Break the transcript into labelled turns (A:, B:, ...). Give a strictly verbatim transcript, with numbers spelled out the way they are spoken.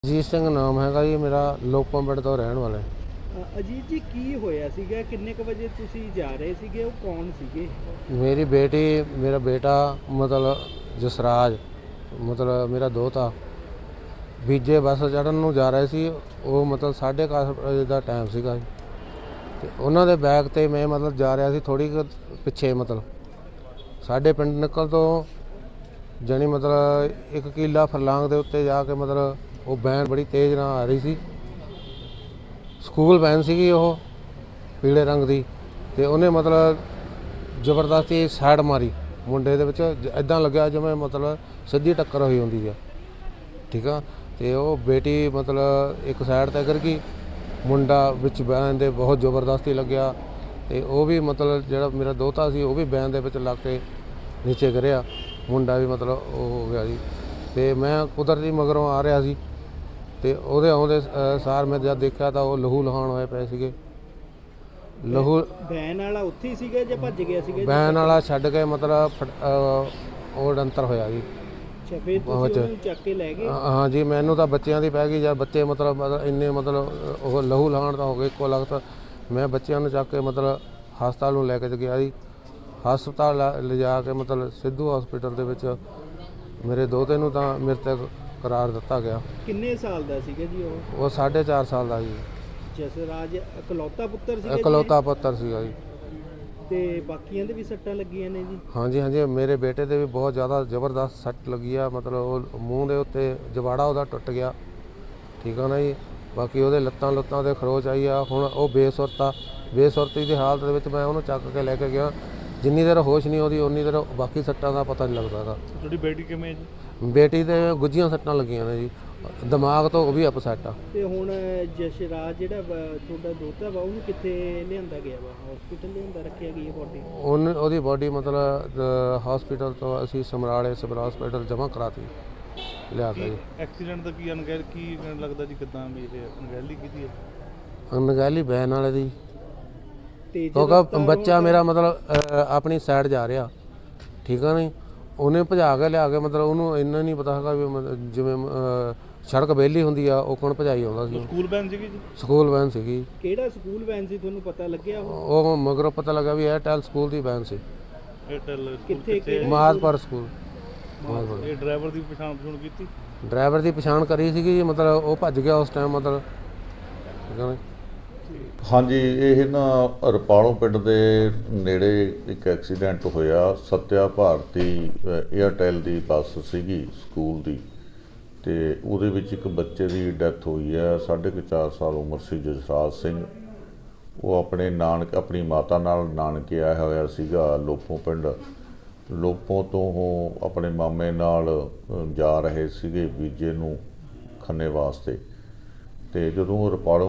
A: ਅਜੀਤ ਸਿੰਘ ਨਾਮ ਹੈਗਾ ਜੀ ਮੇਰਾ, ਲੋਕਾਂ ਪਿੰਡ ਤੋਂ ਰਹਿਣ ਵਾਲਾ।
B: ਅ, ਅਜੀਤ ਜੀ ਕੀ ਹੋਇਆ ਸੀਗਾ? ਕਿੰਨੇ ਕੁ ਵਜੇ ਤੁਸੀਂ ਜਾ ਰਹੇ ਸੀਗੇ? ਉਹ ਕੌਣ ਸੀਗੇ?
A: ਮੇਰੀ ਬੇਟੀ, ਮੇਰਾ ਬੇਟਾ ਮਤਲਬ ਜਸਰਾਜ, ਮਤਲਬ ਮੇਰਾ ਦੋਤਾ ਬੀਜੇ ਬੱਸ ਚੜ੍ਹਨ ਨੂੰ ਜਾ ਰਹੇ ਸੀ। ਉਹ ਮਤਲਬ ਸਾਢੇ ਕੁ ਅੱਠ ਵਜੇ ਦਾ ਟਾਈਮ ਸੀਗਾ ਜੀ, ਅਤੇ ਉਹਨਾਂ ਦੇ ਬੈਗ 'ਤੇ ਮੈਂ ਮਤਲਬ ਜਾ ਰਿਹਾ ਸੀ ਥੋੜ੍ਹੀ ਕੁ ਪਿੱਛੇ, ਮਤਲਬ ਸਾਡੇ ਪਿੰਡ ਨਿਕਲ ਤੋਂ ਜਾਣੀ ਮਤਲਬ ਇੱਕ ਕਿੱਲਾ ਫਰਲਾਂਗ ਦੇ ਉੱਤੇ ਜਾ ਕੇ ਮਤਲਬ ਉਹ ਵੈਨ ਬੜੀ ਤੇਜ਼ ਨਾਲ ਆ ਰਹੀ ਸੀ। ਸਕੂਲ ਵੈਨ ਸੀਗੀ ਉਹ ਪੀਲੇ ਰੰਗ ਦੀ, ਅਤੇ ਉਹਨੇ ਮਤਲਬ ਜ਼ਬਰਦਸਤੀ ਸਾਈਡ ਮਾਰੀ ਮੁੰਡੇ ਦੇ ਵਿੱਚ, ਇੱਦਾਂ ਲੱਗਿਆ ਜਿਵੇਂ ਮਤਲਬ ਸਿੱਧੀ ਟੱਕਰ ਹੋਈ ਹੁੰਦੀ ਆ, ਠੀਕ ਆ। ਅਤੇ ਉਹ ਬੇਟੀ ਮਤਲਬ ਇੱਕ ਸਾਈਡ 'ਤੇ ਗਿਰ ਗਈ, ਮੁੰਡਾ ਵਿੱਚ ਵੈਨ ਦੇ ਬਹੁਤ ਜ਼ਬਰਦਸਤੀ ਲੱਗਿਆ, ਅਤੇ ਉਹ ਵੀ ਮਤਲਬ ਜਿਹੜਾ ਮੇਰਾ ਦੋਤਾ ਸੀ ਉਹ ਵੀ ਵੈਨ ਦੇ ਵਿੱਚ ਲੱਗ ਕੇ ਨੀਚੇ ਗਿਰਿਆ, ਮੁੰਡਾ ਵੀ ਮਤਲਬ ਉਹ ਹੋ ਗਿਆ ਜੀ। ਅਤੇ ਮੈਂ ਕੁਦਰਤੀ ਮਗਰੋਂ ਆ ਰਿਹਾ ਸੀ, ਅਤੇ ਉਹਦੇ ਆਉਂਦੇ ਸਾਰ ਮੈਂ ਜਦ ਦੇਖਿਆ ਤਾਂ ਉਹ ਲਹੂ ਲਹਾਨ ਹੋਏ ਪਏ ਸੀਗੇ। ਲਹੂ
B: ਵੈਨ ਵਾਲਾ ਉੱਥੇ ਹੀ ਸੀਗਾ ਜਾਂ ਭੱਜ ਗਿਆ ਸੀਗਾ?
A: ਵੈਨ ਵਾਲਾ ਛੱਡ ਕੇ ਮਤਲਬ ਫਟ- ਅਹ ਉਹ ਡੰਤਰ ਹੋਇਆ ਜੀ।
B: ਅੱਛਾ, ਫਿਰ ਤੁਸੀਂ ਉਹਨੂੰ ਚੱਕ ਕੇ ਲੈ ਗਏ?
A: ਹਾਂ ਜੀ, ਮੈਨੂੰ ਤਾਂ ਬੱਚਿਆਂ ਦੀ ਪੈ ਗਈ ਜਦ ਬੱਚੇ ਮਤਲਬ ਮਤਲਬ ਇੰਨੇ ਮਤਲਬ ਉਹ ਲਹੂ ਲਹਾਨ ਤਾਂ ਹੋ ਗਏ ਇੱਕੋ ਲਗਤ। ਮੈਂ ਬੱਚਿਆਂ ਨੂੰ ਚੱਕ ਕੇ ਮਤਲਬ ਹਸਪਤਾਲ ਨੂੰ ਲੈ ਕੇ ਗਿਆ ਜੀ। ਹਸਪਤਾਲ ਲਿਜਾ ਕੇ ਮਤਲਬ ਸਿੱਧੂ ਹਸਪੀਟਲ ਦੇ ਵਿੱਚ ਮੇਰੇ ਦੋਤੇ ਨੂੰ ਤਾਂ ਮ੍ਰਿਤਕ ਕਰਾਰ ਦਿੱਤਾ ਗਿਆ।
B: ਕਿੰਨੇ ਸਾਲ ਦਾ ਸੀਗਾ ਜੀ ਉਹ?
A: ਉਹ ਸਾਢੇ ਚਾਰ ਸਾਲ ਦਾ ਜੀ।
B: ਜਸਰਾਜ ਇਕਲੌਤਾ ਪੁੱਤਰ ਸੀਗਾ ਜੀ?
A: ਇਕਲੌਤਾ ਪੁੱਤਰ ਸੀਗਾ ਜੀ।
B: ਤੇ ਬਾਕੀਆਂ ਦੇ ਵੀ ਸੱਟਾਂ ਲੱਗੀਆਂ ਨੇ ਜੀ?
A: ਹਾਂਜੀ ਹਾਂਜੀ, ਮੇਰੇ ਬੇਟੇ ਦੇ ਵੀ ਬਹੁਤ ਜ਼ਿਆਦਾ ਜ਼ਬਰਦਸਤ ਸੱਟ ਲੱਗੀ ਆ, ਮਤਲਬ ਉਹ ਮੂੰਹ ਦੇ ਉੱਤੇ ਜਵਾੜਾ ਉਹਦਾ ਟੁੱਟ ਗਿਆ, ਠੀਕ ਆ ਨਾ ਜੀ। ਬਾਕੀ ਉਹਦੇ ਲੱਤਾਂ ਲੁੱਤਾਂ 'ਤੇ ਖਰੋਚ ਆਈ ਆ। ਹੁਣ ਉਹ ਬੇਸੁਰਤ ਆ, ਬੇਸੁਰਤੀ ਦੀ ਹਾਲਤ ਦੇ ਵਿੱਚ ਮੈਂ ਉਹਨੂੰ ਚੱਕ ਕੇ ਲੈ ਕੇ ਗਿਆ। ਜਿੰਨੀ ਦੇਰ ਹੋਸ਼ ਨਹੀਂ ਆਉਂਦੀ ਉਨੀ ਦੇਰ ਬਾਕੀ ਸੱਟਾਂ ਦਾ ਪਤਾ ਨਹੀਂ ਲੱਗਦਾ ਗਾ।
B: ਤੁਹਾਡੀ ਬੇਟੀ ਕਿਵੇਂ ਜੀ?
A: ਬੇਟੀ ਦੇ ਗੁੱਝੀਆਂ ਸੱਟਾਂ ਲੱਗੀਆਂ ਨੇ ਜੀ, ਦਿਮਾਗ ਤੋਂ ਉਹ ਵੀ ਅਪਸੈਟ ਆ।
B: ਤੇ ਹੁਣ ਜਸ਼ਰਾਜ ਜਿਹੜਾ ਵਾ ਤੁਹਾਡਾ ਦੋਤਾ ਵਾ, ਉਹਨੂੰ ਕਿੱਥੇ ਲਿਆਂਦਾ ਗਿਆ ਵਾ? ਹਸਪੀਟਲ ਲਿਆਂਦਾ ਰੱਖਿਆ ਗਈ ਹੈ ਬੋਡੀ?
A: ਉਹਨ ਉਹਦੀ ਬੋਡੀ ਮਤਲਬ ਹਸਪੀਟਲ ਤੋਂ ਅਸੀਂ ਸਮਰਾਲੇ ਸਿਵਲ ਹਸਪੀਟਲ ਜਮ੍ਹਾਂ ਕਰਾਤੀ ਲਿਆ ਕੇ ਜੀ।
B: ਐਕਸੀਡੈਂਟ ਦਾ ਕੀ ਅਣਗਹਿਲ ਕੀ ਲੱਗਦਾ ਜੀ? ਕਿੱਦਾਂ ਵੀ ਇਹ ਅਣਗਹਿਲੀ ਕੀਤੀ ਹੈ?
A: ਅਣਗਹਿਲੀ ਵੈਨ ਵਾਲੇ ਦੀ,
B: ਤੇਜ਼
A: ਕਿਉਂਕਿ ਬੱਚਾ ਮੇਰਾ ਮਤਲਬ ਅ, ਆਪਣੀ ਸਾਈਡ ਜਾ ਰਿਹਾ, ਠੀਕ ਆ ਨਹੀਂ। ਉਹਨੇ ਭਜਾ ਕੇ ਲਿਆ ਕੇ ਮਤਲਬ ਉਹਨੂੰ ਇੰਨਾ ਨਹੀਂ ਪਤਾ ਹੈਗਾ ਵੀ ਮਤਲਬ ਜਿਵੇਂ ਅ, ਸੜਕ ਵਿਹਲੀ ਹੁੰਦੀ ਆ ਉਹ ਕੋਣ ਭਜਾਈ ਆਉਂਦਾ ਸੀ।
B: ਸਕੂਲ ਵੈਨ ਸੀਗੀ ਜੀ?
A: ਸਕੂਲ ਵੈਨ ਸੀਗੀ।
B: ਕਿਹੜਾ ਸਕੂਲ ਵੈਨ ਸੀ ਤੁਹਾਨੂੰ ਪਤਾ ਲੱਗਿਆ? ਉਹ
A: ਉਹ ਮਗਰੋਂ ਪਤਾ ਲੱਗਾ ਵੀ ਏਅਰਟੈਲ ਸਕੂਲ ਦੀ ਵੈਨ ਸੀ।
B: ਏਅਰਟੈਲ ਕਿੱਥੇ?
A: ਮਾਦਪੁਰ ਸਕੂਲ।
B: ਇਹ ਡਰਾਈਵਰ ਦੀ ਪਛਾਣ ਪਛਾਣ ਕੀਤੀ?
A: ਡਰਾਈਵਰ ਦੀ ਪਛਾਣ ਕਰੀ ਸੀਗੀ ਜੀ, ਮਤਲਬ ਉਹ ਭੱਜ ਗਿਆ ਉਸ ਟਾਈਮ, ਮਤਲਬ ਠੀਕ ਆ ਨਾ।
C: ਹਾਂਜੀ, ਇਹ ਨਾ ਰਪਾਲੋਂ ਪਿੰਡ ਦੇ ਨੇੜੇ ਇੱਕ ਐਕਸੀਡੈਂਟ ਹੋਇਆ। ਸੱਤਿਆ ਭਾਰਤੀ ਏਅਰਟੈਲ ਦੀ ਬੱਸ ਸੀਗੀ ਸਕੂਲ ਦੀ, ਅਤੇ ਉਹਦੇ ਵਿੱਚ ਇੱਕ ਬੱਚੇ ਦੀ ਡੈਥ ਹੋਈ ਹੈ। ਸਾਢੇ ਕੁ ਚਾਰ ਸਾਲ ਉਮਰ ਸੀ ਜਸਰਾਜ ਸਿੰਘ। ਉਹ ਆਪਣੇ ਨਾਨਕ ਆਪਣੀ ਮਾਤਾ ਨਾਲ ਨਾਨਕੇ ਆਇਆ ਹੋਇਆ ਸੀਗਾ ਲੋਪੋਂ ਪਿੰਡ। ਲੋਪੋਂ ਤੋਂ ਉਹ ਆਪਣੇ ਮਾਮੇ ਨਾਲ ਜਾ ਰਹੇ ਸੀਗੇ ਬੀਜੇ ਨੂੰ ਖੰਨੇ ਵਾਸਤੇ, ਅਤੇ ਜਦੋਂ ਉਹ ਰਪਾਲੋਂ